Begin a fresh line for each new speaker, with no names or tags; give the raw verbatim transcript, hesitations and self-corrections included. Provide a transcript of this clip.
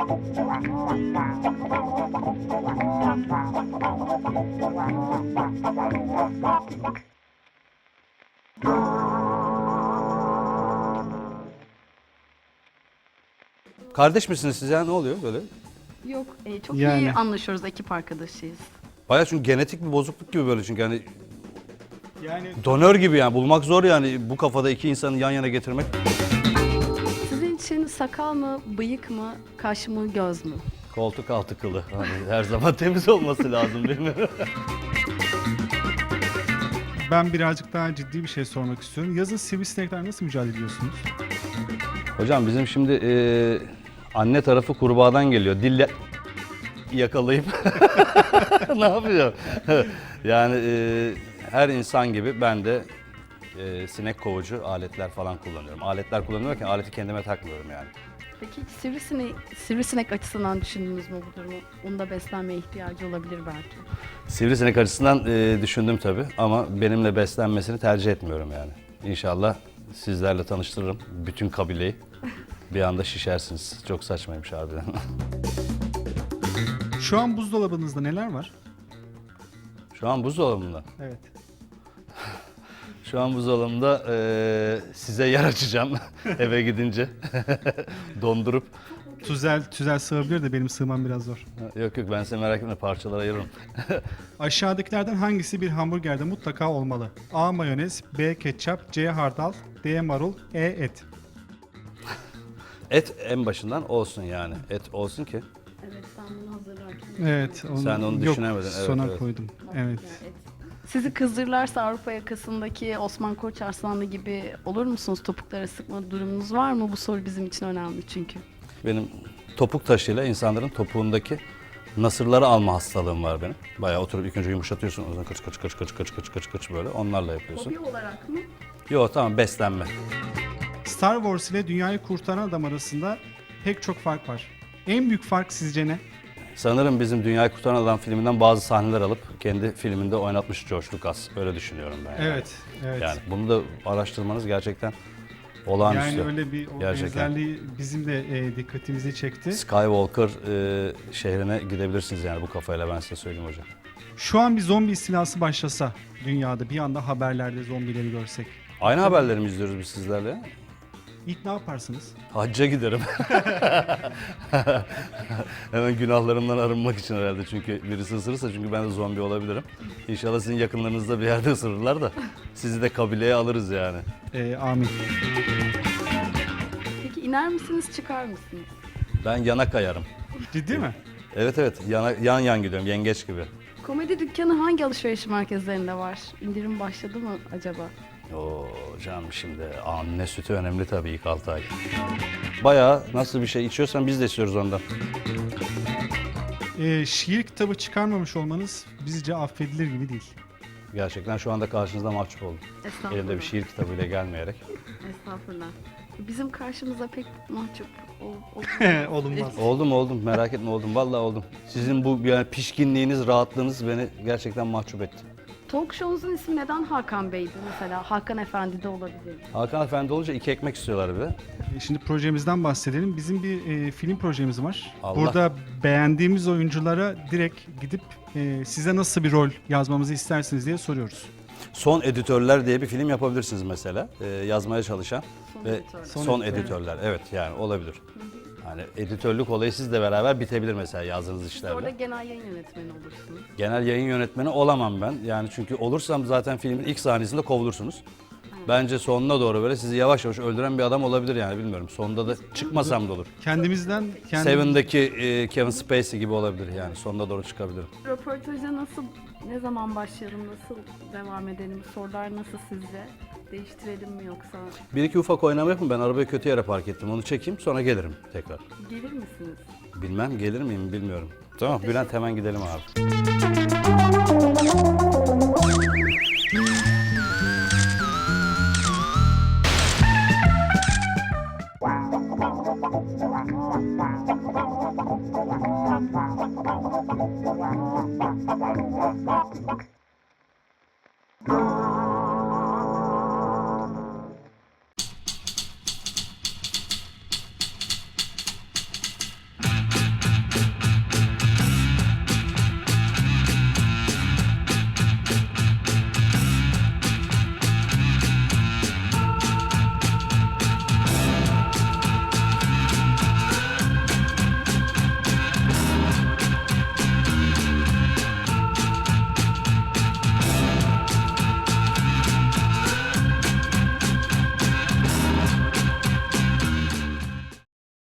Kardeş misiniz siz ya? Ne oluyor böyle?
Yok, e, çok
Yani.
iyi anlaşıyoruz, ekip arkadaşıyız.
Bayağı çünkü genetik bir bozukluk gibi böyle çünkü hani
Yani
donör gibi yani bulmak zor yani bu kafada iki insanı yan yana getirmek.
Sizin için sakal mı, bıyık mı, kaş mı, göz mü?
Koltuk altı kılı. Hani her zaman temiz olması lazım değil mi?
ben birazcık daha ciddi bir şey sormak istiyorum. Yazın sivrisineklerle nasıl mücadele ediyorsunuz?
Hocam bizim şimdi e, anne tarafı kurbağadan geliyor. Dille yakalayıp ne yapıyor? yani e, her insan gibi ben de e, sinek kovucu aletler falan kullanıyorum. Aletler kullanıyorum ki aleti kendime takmıyorum yani.
Peki hiç sivrisinek, sivrisinek açısından düşündünüz mü bu durumu? Onun da beslenmeye ihtiyacı olabilir belki.
Sivrisinek açısından e, düşündüm tabii ama benimle beslenmesini tercih etmiyorum yani. İnşallah sizlerle tanıştırırım bütün kabileyi. Bir anda şişersiniz. Çok saçmaymış harbiden.
Şu an buzdolabınızda neler var?
Şu an buzdolabında.
Evet.
Şu an buzdolabında e, size yer açacağım eve gidince. Dondurup.
Tüzel, tüzel sığabilir de benim sığmam biraz zor.
Yok yok ben size merak etme parçalara ayırırım.
Aşağıdakilerden hangisi bir hamburgerde mutlaka olmalı? A. Mayonez, B. Ketçap, C. Hardal, D. Marul, E. Et.
Et en başından olsun yani. Et olsun ki.
Evet, sen bunu hazırlarken.
Evet. Onu,
Sen onu
yok,
düşünemedin, evet,
sona
evet.
koydum. Evet.
Sizi kızdırırlarsa Avrupa yakasındaki Osman Koç Arslanlı gibi olur musunuz? Topuklara sıkma durumunuz var mı? Bu soru bizim için önemli çünkü.
Benim topuk taşıyla insanların topuğundaki nasırları alma hastalığım var benim. Bayağı oturup ilk önce yumuşatıyorsun. O zaman kıç kıç kıç kıç kıç kıç kıç kıç böyle onlarla yapıyorsun.
Hobi olarak mı?
Yok tamam beslenme.
Star Wars ile Dünyayı Kurtaran Adam arasında pek çok fark var. En büyük fark sizce ne?
Sanırım bizim Dünyayı Kurtaran Adam filminden bazı sahneler alıp kendi filminde oynatmış George Lucas. Öyle düşünüyorum ben. Yani.
Evet, evet.
Yani bunu da araştırmanız gerçekten olağanüstü.
Yani öyle bir o
Gerçekten.
benzerliği bizim de e, dikkatimizi çekti.
Skywalker e, şehrine gidebilirsiniz yani bu kafayla ben size söyleyeyim hocam.
Şu an bir zombi istilası başlasa dünyada bir anda haberlerde zombileri görsek.
Aynı haberleri mi izliyoruz biz sizlerle?
İlk ne yaparsınız?
Hacca giderim. Hemen günahlarımdan arınmak için herhalde çünkü birisi ısırırsa çünkü ben de zombi olabilirim. İnşallah sizin yakınlarınızda bir yerde ısırırlar da sizi de kabileye alırız yani.
E, amin.
Peki iner misiniz, çıkar mısınız?
Ben yana kayarım.
Ciddi mi?
Evet evet yana, yan yan gidiyorum yengeç gibi.
Komedi dükkanı hangi alışveriş merkezlerinde var? İndirim başladı mı acaba?
Oo canım şimdi anne sütü önemli tabii ilk altı ay. Bayağı nasıl bir şey içiyorsan biz de içiyoruz ondan.
E, şiir kitabı çıkarmamış olmanız bizce affedilir gibi değil.
Gerçekten şu anda karşınızda mahcup oldum.
Estağfurullah.
Elimde bir şiir kitabıyla gelmeyerek.
Estağfurullah. Bizim karşımıza pek mahcup ol, ol-
Olunmaz.
Oldum oldum merak etme oldum vallahi oldum. Sizin bu yani pişkinliğiniz, rahatlığınız beni gerçekten mahcup etti.
Talk show'unuzun ismi neden Hakan Bey'di mesela? Hakan Efendi de olabilir.
Hakan Efendi olunca iki ekmek istiyorlar bir de.
E, Şimdi projemizden bahsedelim. Bizim bir e, film projemiz var.
Allah.
Burada beğendiğimiz oyunculara direkt gidip e, size nasıl bir rol yazmamızı istersiniz diye soruyoruz.
Son Editörler diye bir film yapabilirsiniz mesela. Ee, yazmaya çalışan
Son
ve
editörler.
son,
Son
editörler. Evet yani olabilir. Yani editörlük olayı sizle beraber bitebilir mesela yazdığınız
Siz orada
işlerle.
genel yayın yönetmeni olursunuz.
Genel yayın yönetmeni olamam ben. Yani çünkü olursam zaten filmin ilk sahnesinde kovulursunuz. Bence sonuna doğru böyle sizi yavaş yavaş öldüren bir adam olabilir yani bilmiyorum. Sonunda da çıkmasam da olur.
Kendimizden kendi
Seven'daki e, Kevin Spacey gibi olabilir yani sonuna doğru çıkabilirim.
Röportaja nasıl, ne zaman başlayalım, nasıl devam edelim? Sorular nasıl sizce? Değiştirelim mi yoksa?
Bir iki ufak oynama yapın ben arabayı kötü yere park ettim onu çekeyim sonra gelirim tekrar.
Gelir misiniz?
Bilmem gelir miyim bilmiyorum. Tamam Bülent hemen gidelim abi.